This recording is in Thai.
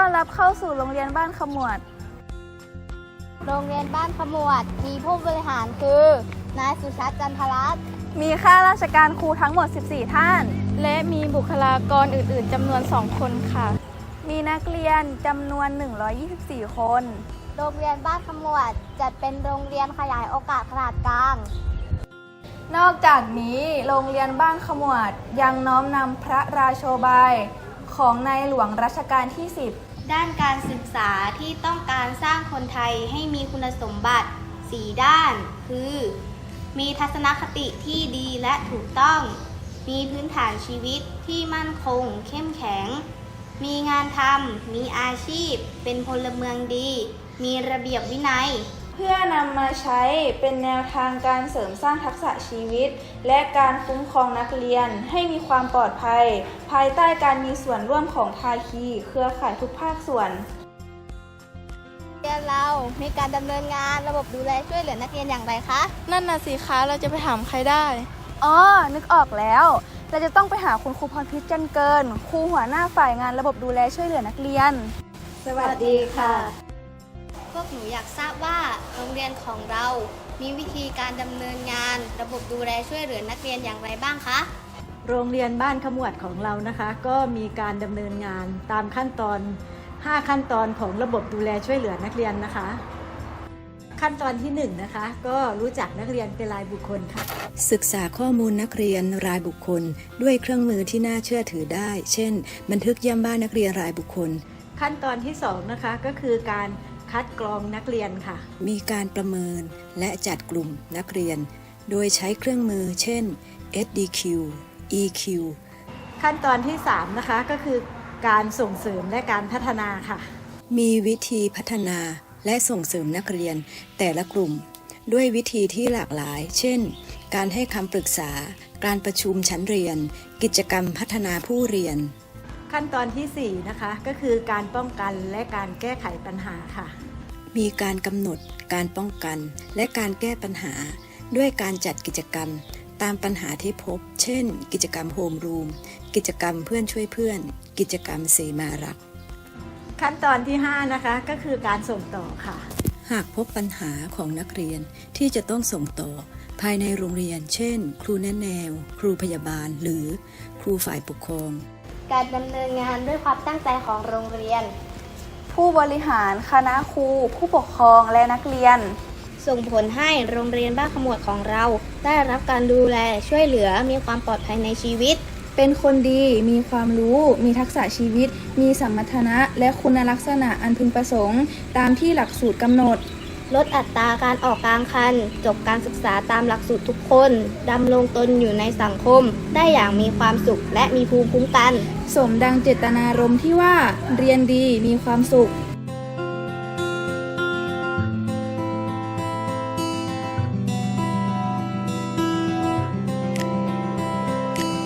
อนรับเข้าสู่โรงเรียนบ้านขมวดโรงเรียนบ้านขมวดมีผู้บริหารคือนายสุชัดจันทรัตน์มีข้าราชการครูทั้งหมด 14 ท่าน และมีบุคลากรอื่นๆจำนวน 2 คนค่ะ มีนักเรียนจำนวน 124 คนโรงเรียนบ้านขมวดจัดเป็นโรงเรียนขยายโอกาสขนาดกลางนอกจากนี้โรงเรียนบ้านขมวดยังน้อมนำพระราโชบายของในหลวงรัชกาลที่ 10 ด้านการศึกษาที่ต้องการสร้างคนไทยให้มีคุณสมบัติ 4 ด้าน คือ มีทัศนคติที่ดีและถูกต้อง มีพื้นฐานชีวิตที่มั่นคงเข้มแข็ง มีงานทำ มีอาชีพ เป็นพลเมืองดี มีระเบียบวินัยเพื่อนำมาใช้เป็นแนวทางการเสริมสร้างทักษะชีวิตและการคุ้มครองนักเรียนให้มีความปลอดภัยภายใต้การมีส่วนร่วมของภาคีเครือข่ายทุกภาคส่วนเรียนเรามีการดำเนินงานระบบดูแลช่วยเหลือนักเรียนอย่างไรคะนั่นน่ะสิคะเราจะไปถามใครได้นึกออกแล้วเราจะต้องไปหาคุณครูพรพิษจันเกินครูหัวหน้าฝ่ายงานระบบดูแลช่วยเหลือนักเรียนสวัสดีค่ะพวกหนูอยากทราบว่าโรงเรียนของเรามีวิธีการดำเนินงานระบบดูแลช่วยเหลือนักเรียนอย่างไรบ้างคะโรงเรียนบ้านขมวดของเรานะคะก็มีการดำเนินงานตามขั้นตอน5ขั้นตอนของระบบดูแลช่วยเหลือนักเรียนนะคะขั้นตอนที่1นะคะก็รู้จักนักเรียนเป็นรายบุคคลค่ะศึกษาข้อมูลนักเรียนรายบุคคลด้วยเครื่องมือที่น่าเชื่อถือได้เช่นบันทึกเยี่ยมบ้านนักเรียนรายบุคคลขั้นตอนที่2นะคะก็คือการคัดกรองนักเรียนค่ะมีการประเมินและจัดกลุ่มนักเรียนโดยใช้เครื่องมือเช่น SDQ EQ ขั้นตอนที่3นะคะก็คือการส่งเสริมและการพัฒนาค่ะมีวิธีพัฒนาและส่งเสริมนักเรียนแต่ละกลุ่มด้วยวิธีที่หลากหลายเช่นการให้คำปรึกษาการประชุมชั้นเรียนกิจกรรมพัฒนาผู้เรียนขั้นตอนที่4นะคะก็คือการป้องกันและการแก้ไขปัญหาค่ะมีการกำหนดการป้องกันและการแก้ปัญหาด้วยการจัดกิจกรรมตามปัญหาที่พบเช่นกิจกรรมโฮมรูมกิจกรรมเพื่อนช่วยเพื่อนกิจกรรมเสมารักขั้นตอนที่5นะคะก็คือการส่งต่อค่ะหากพบปัญหาของนักเรียนที่จะต้องส่งต่อภายในโรงเรียนเช่นครูแนะแนวครูพยาบาลหรือครูฝ่ายปกครองการดำเนินงานด้วยความตั้งใจของโรงเรียนผู้บริหารคณะครูผู้ปกครองและนักเรียนส่งผลให้โรงเรียนบ้านขมวดของเราได้รับการดูแลช่วยเหลือมีความปลอดภัยในชีวิตเป็นคนดีมีความรู้มีทักษะชีวิตมีสัมมาทนะและคุณลักษณะอันพึงประสงค์ตามที่หลักสูตรกำหนดลดอัตราการออกกลางคันจบการศึกษาตามหลักสูตรทุกคนดำรงตนอยู่ในสังคมได้อย่างมีความสุขและมีภูมิคุ้มกันสมดังเจตนารมณ์ที่ว่าเรียนดีมีความสุข